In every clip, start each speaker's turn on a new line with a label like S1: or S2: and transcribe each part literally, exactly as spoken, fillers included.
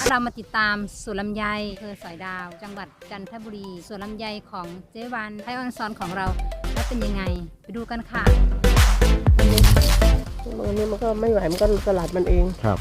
S1: เรามาติดตามสวนลำไยอำเภอสอยดาวจังหวัดจันทบุรีสวนลำไยของเจ๊วันไทยออนซอนของเราแล้วเป็นยังไงไปดูกันค่ะ
S2: อันนี้มันก็ไม่ไหวมันก็สลัดมันเอง
S3: ครับ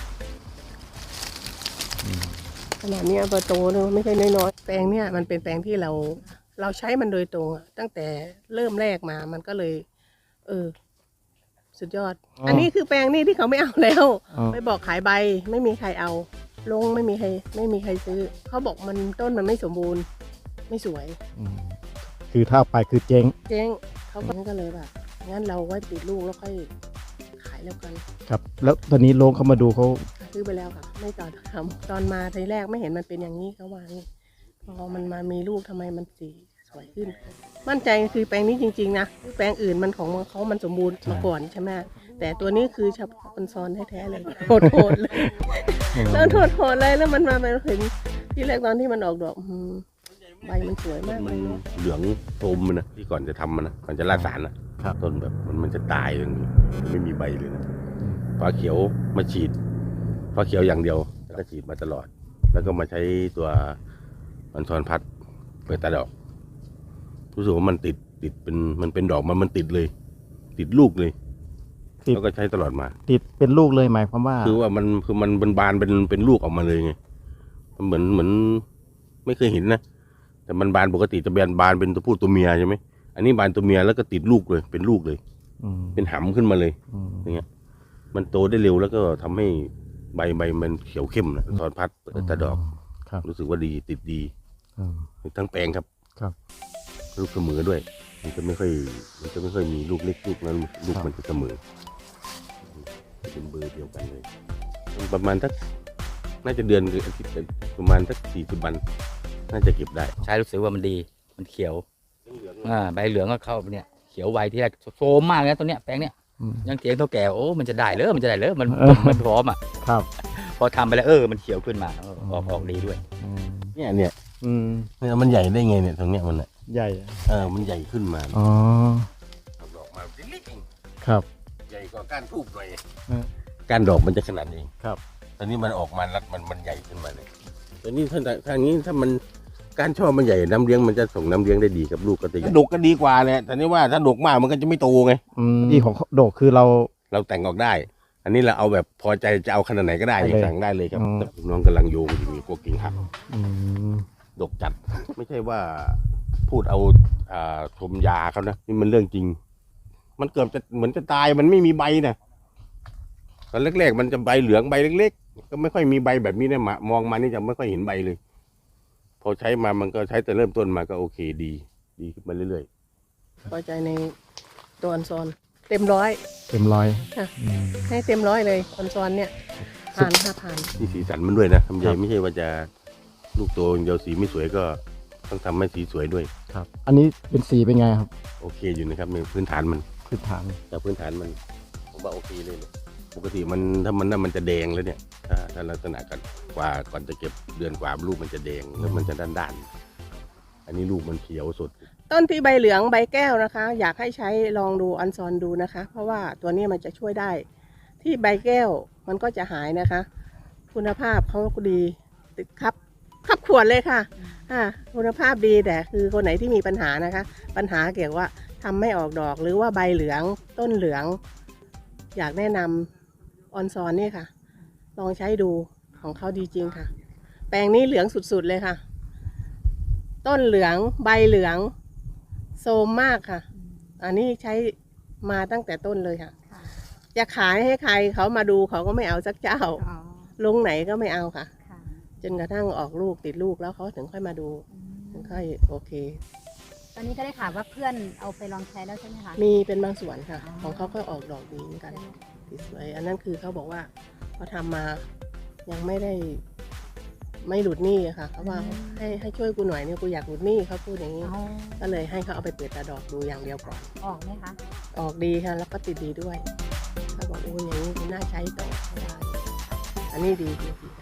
S2: ขนาดนี้เบอร์โตเนี่ยไม่ใช่น้อยๆแปลงเนี่ยมันเป็นแปลงที่เราเราใช้มันโดยตรงตั้งแต่เริ่มแรกมามันก็เลยเออสุดยอด อ, อันนี้คือแปลงนี่ที่เขาไม่เอาแล้วไปบอกขายใบไม่มีใครเอาลงไม่มีใครไม่มีใครซื้อเขาบอกมันต้นมันไม่สมบูรณ์ไม่สวย
S3: คือถ้าไปคือเจ๊ง
S2: เจ๊งเขาก็เลยแบบงั้นเราไว้ติดลูกแล้วค่อยขายแล้วกัน
S3: ครับแล้วตอนนี้ลงเขามาดูเขา
S2: ซื้อไปแล้วค่ะไม่ต่อทำตอนมาทีแรกไม่เห็นมันเป็นอย่างนี้เขาว่านี่พอมันมามีลูกทำไมมันสีสวยขึ้นมั่นใจคือแปลงนี้จริงๆนะแปลงอื่นมันของเขามันสมบูรณ์มาก่อนใช่ไหมแต่ตัวนี้คือเฉพาะคนซ้อนแท้ๆเลยโหดๆเลยแล้วโหดๆเลยแล้วมันมาเป็นเห็นที่แรกตอนที่มันออกดอกใบมันสวยมาก
S4: มันเหลืองโทมมันนะที่ก่อนจะทำมันนะก่อนจะราดสารนะต้นแบบมันมันจะตายเลยไม่มีใบเลยนะฟ้าเขียวมาฉีดฟ้าเขียวอย่างเดียวแล้วก็ฉีดมาตลอดแล้วก็มาใช้ตัวมันทอนพัดเปิดตาดอกรู้สึกว่ามันติดติดเป็นมันเป็นดอกมันมันติดเลยติดลูกเลยแล้วก็ใช้ตลอดมา
S3: ติดเป็นลูกเลยหมายความว่า
S4: คือว่ามันคือมันเป็นบานเป็นเป็นลูกออกมาเลยไงมันเหมือนเหมือนไม่เคยเห็นนะแต่มันบานปกติจะแบนบานเป็นตัวผู้ตัวเมียใช่ไหมอันนี้บานตัวเมียแล้วก็ติดลูกเลยเป็นลูกเลยเป็นหำขึ้นมาเลยอย่างเงี้ยมันโตได้เร็วแล้วก็ทำให้ใบใบมันเขียวเข้มนะทอนพัดเปิดตาดอกรู้สึกว่าดีติดดีทั้งแปลงครับ
S3: ครับ
S4: ลูกเสมอด้วยมันจะไม่ค่อยมันจะไม่ค่อยมีลูกเล็กลูกนั้นลูกมันจะเสมอเป็นเบอร์เดียวกันเลยประมาณสักน่าจะเดือนหรืออาทิตย์ประมาณสักสี่สิบวันน่าจะเก็บได้
S5: ใช้รู้สึกว่ามันดีมันเขียวอ่าใบเหลืองก็เข้าเนี่ยเขียวไวที่แรกโซมมากเลยตัวเนี้ยแปลงเนี้ยยังเถียงเท่าแก่โอ้มันจะได้เลยมันจะได้เลยมันมันพร้อมอ่ะ
S3: ครับ
S5: พอทำไปแล้วเออมันเขียวขึ้นมาออกออกดีด้วย
S4: เนี่ยเนี่ยเนี่ยมันใหญ่ได้ไงเนี่ยตรงเนี้ยมันอ่ะ
S3: ใหญ่
S4: เออมันใหญ่ขึ้นมา
S3: อ๋อ
S4: ดอกมาเล็ก
S3: ๆครับ
S4: ใหญ่กว่าก้านทูบหน่อยก้านดอกมันจะขนาดนี้
S3: ครับ
S4: ตอนนี้มันออกมารัดมันมันใหญ่ขึ้นมาเลยตอนนี้ถ้าทางนี้ถ้ามันก้านช่อมันใหญ่น้ำเลี้ยงมันจะส่งน้ำเลี้ยงได้ดีกับลูกก็ตีดกก็ดีกว่าเลยแต่นี่ว่าถ้าดกมากมันก็จะไม่โตไง
S3: ดีของดกคือเรา
S4: เราแต่งออกได้อันนี้เราเอาแบบพอใจจะเอาขนาดไหนก็ได้สั่งได้เลยครับน้องกำลังโยงอยู่มีพวกกิ่งหักดกจัดไม่ใช่ว่าพูดเอาชมยาเขานะนี่มันเรื่องจริงมันเกือบจะเหมือนจะตายมันไม่มีใบนะตอนแรกๆมันจะใบเหลืองใบเล็กๆก็ไม่ค่อยมีใบแบบนี้นะมองมานี่จะไม่ค่อยเห็นใบเลยพอใช้มามันก็ใช้แต่เริ่มต้นมาก็โอเคดีดีขึ้นมาเรื่อย
S2: ๆพอใจในตัวอันซอนเต็มร้อย
S3: เต็มร้อย
S2: ให้เต็มร้อยเลยอันซอนเนี่ยผ่านห้าผ่าน
S4: นี่สีสันมันด้วยนะทำใหญ่ไม่ใช่ว่าจะลูกโตเดียวสีไม่สวยก็ต้องทำให้สีสวยด้วย
S3: ครับอันนี้เป็นสีเป็นไงครับ
S4: โอเคอยู่นะครับในพื้นฐานมัน
S3: พื้นฐาน
S4: แต่พื้นฐานมันผมว่าโอเคเลยปกติมันถ้ามันน่ามันจะแดงแล้วเนี่ยถ้าถ้าลักษณะกันกว่าก่อนจะเก็บเดือนกว่าลูกมันจะแดงแล้วมันจะด้านด้านอันนี้ลูกมันเขียวสด
S2: ต้นที่ใบเหลืองใบแก้วนะคะอยากให้ใช้ลองดูอันซอนดูนะคะเพราะว่าตัวนี้มันจะช่วยได้ที่ใบแก้วมันก็จะหายนะคะคุณภาพเขาก็ดีติดครับขับขวดเลยค่ะอ่าคุณภาพดีแต่คือคนไหนที่มีปัญหานะคะปัญหาเกี่ยวว่าทำไม่ออกดอกหรือว่าใบเหลืองต้นเหลืองอยากแนะนำออนซอนนี่ค่ะลองใช้ดูของเขาดีจริงค่ะแปลงนี้เหลืองสุดๆเลยค่ะต้นเหลืองใบเหลืองโซมมากค่ะอันนี้ใช้มาตั้งแต่ต้นเลยค่ะจะขายให้ใครเขามาดูเขาก็ไม่เอาสักเจ้าลงไหนก็ไม่เอาค่ะจนกระทั่งออกลูกติดลูกแล้วเขาถึงค่อยมาดูถึงค่อยโอเค
S1: ตอนนี้ก็ได้ข่าวว่าเพื่อนเอาไปลองใช้แล้วใช่ไหมคะ
S2: มีเป็นบางส่วนค่ะของเขาก็ออกดอกดีเหมือนกันสวยอันนั้นคือเขาบอกว่าเขาทำมายังไม่ได้ไม่หลุดหนี้ค่ะเขาว่าให้ให้ช่วยกูหน่อยเนี่ยกูอยากหลุดหนี้เขาพูดอย่างนี้ก็เลยให้เขาเอาไปเปิดตาดอกดูอย่างเดียวก่อน
S1: ออกไหมคะ
S2: ออกดีค่ะแล้วก็ติดดีด้วยเขาบอกโอ้ยอย่างนี้น่าใช้ต่อได้อันนี้ดีจริง